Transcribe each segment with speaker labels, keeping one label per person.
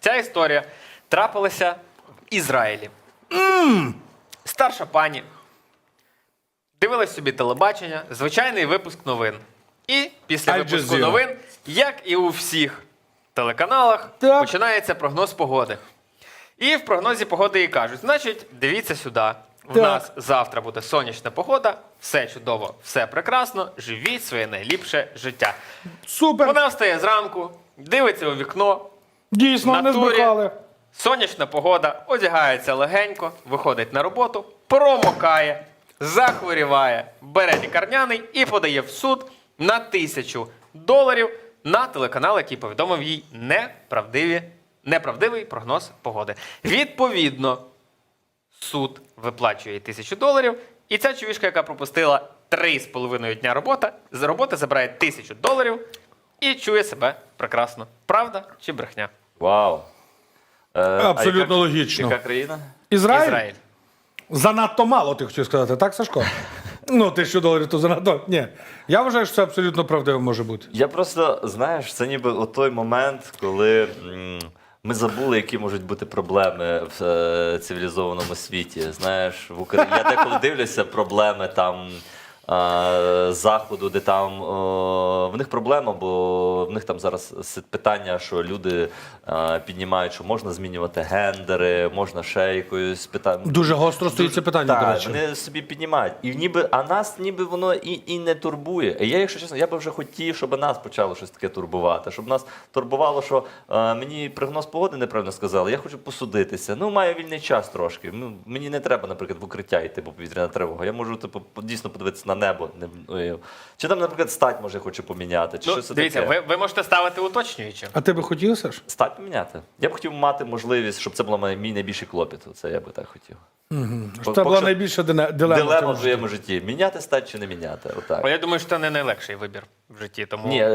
Speaker 1: Ця історія трапилася в Ізраїлі. Старша пані дивилась собі телебачення, звичайний випуск новин. І після випуску новин, як і у всіх телеканалах, починається прогноз погоди. І в прогнозі погоди їй кажуть, значить, дивіться сюди, в нас завтра буде сонячна погода, все чудово, все прекрасно, живіть своє найліпше життя.
Speaker 2: Супер!
Speaker 1: Вона встає зранку, дивиться у вікно.
Speaker 2: Дійсно, не збрехали.
Speaker 1: Сонячна погода, одягається легенько, виходить на роботу, промокає, захворіває, бере лікарняний і подає в суд на $1000 на телеканал, який повідомив їй неправдивий прогноз погоди. Відповідно, суд виплачує їй $1000, і ця чувішка, яка пропустила 3,5 дня роботи, забирає $1000 і чує себе прекрасно. Правда чи брехня?
Speaker 3: Вау.
Speaker 2: Абсолютно логічно.
Speaker 3: Яка країна?
Speaker 2: Ізраїль? Занадто мало, ти хотів сказати, так, Сашко? Ну, $1000 то занадто. Ні. Я вважаю, що це абсолютно правдиво може бути.
Speaker 3: Я просто, знаєш, це ніби о той момент, коли ми забули, які можуть бути проблеми в цивілізованому світі. Знаєш, в Україні я деколи дивлюся проблеми там Заходу, де там в них проблема, бо в них там зараз питання, що люди піднімають, що можна змінювати гендери, можна ще якоюсь питання.
Speaker 2: Дуже гостро стоїть це питання, до речі.
Speaker 3: Вони собі піднімають. А нас ніби воно і не турбує. І я, якщо чесно, я би вже хотів, щоб нас почало щось таке турбувати. Щоб нас турбувало, що мені прогноз погоди неправильно сказали, я хочу посудитися. Ну, маю вільний час трошки. Ну, мені не треба, наприклад, в укриття йти, бо повітряна тривога. Я можу дійсно подивитися на небо. Чи там, наприклад, стать може хочу поміняти, чи щось
Speaker 1: дивіться,
Speaker 3: таке.
Speaker 1: ви можете ставити уточнюючи.
Speaker 2: А ти би хотів, Саш?
Speaker 3: Стать поміняти. Я б хотів мати можливість, щоб це був мій найбільший клопіт. Це я би так хотів.
Speaker 2: Це була найбільша
Speaker 3: Дилема в своєму житті. Міняти стать чи не міняти. Отак.
Speaker 1: Я думаю, що це не найлегший вибір в житті. Тому...
Speaker 3: Ні,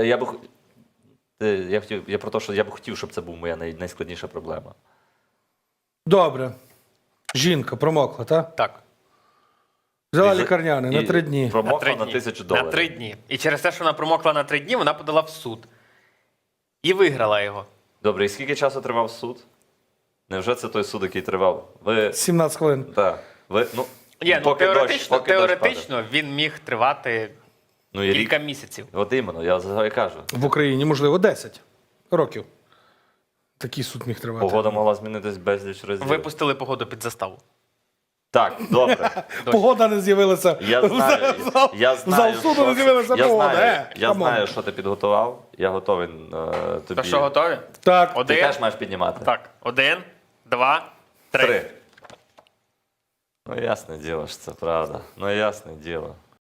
Speaker 3: я про те, що я б хотів, щоб це був моя найскладніша проблема.
Speaker 2: Добре. Жінка промокла, так?
Speaker 1: Так.
Speaker 2: Взяла лікарняний на 3 дні.
Speaker 3: Промокла на $1000.
Speaker 1: На 3 дні. І через те, що вона промокла на 3 дні, вона подала в суд. І виграла його.
Speaker 3: Добре, і скільки часу тривав суд? Невже це той суд, який тривав?
Speaker 2: 17 хвилин.
Speaker 3: Так.
Speaker 1: Теоретично він міг тривати кілька місяців.
Speaker 3: От іменно, я за і кажу.
Speaker 2: В Україні, можливо, 10 років. Такий суд міг тривати.
Speaker 3: Погода могла змінитись безліч разів.
Speaker 1: Випустили погоду під заставу.
Speaker 3: Так, добре.
Speaker 2: Погода не з'явилася. В зал суду не з'явилася погода.
Speaker 3: Я знаю, що ти підготував. Я готовий тобі.
Speaker 1: То що, готові?
Speaker 2: Так.
Speaker 3: Ти теж маєш піднімати.
Speaker 1: Так. 1, 2, 3.
Speaker 3: Ну, ясне діло, що це правда. Ну, ясне діло.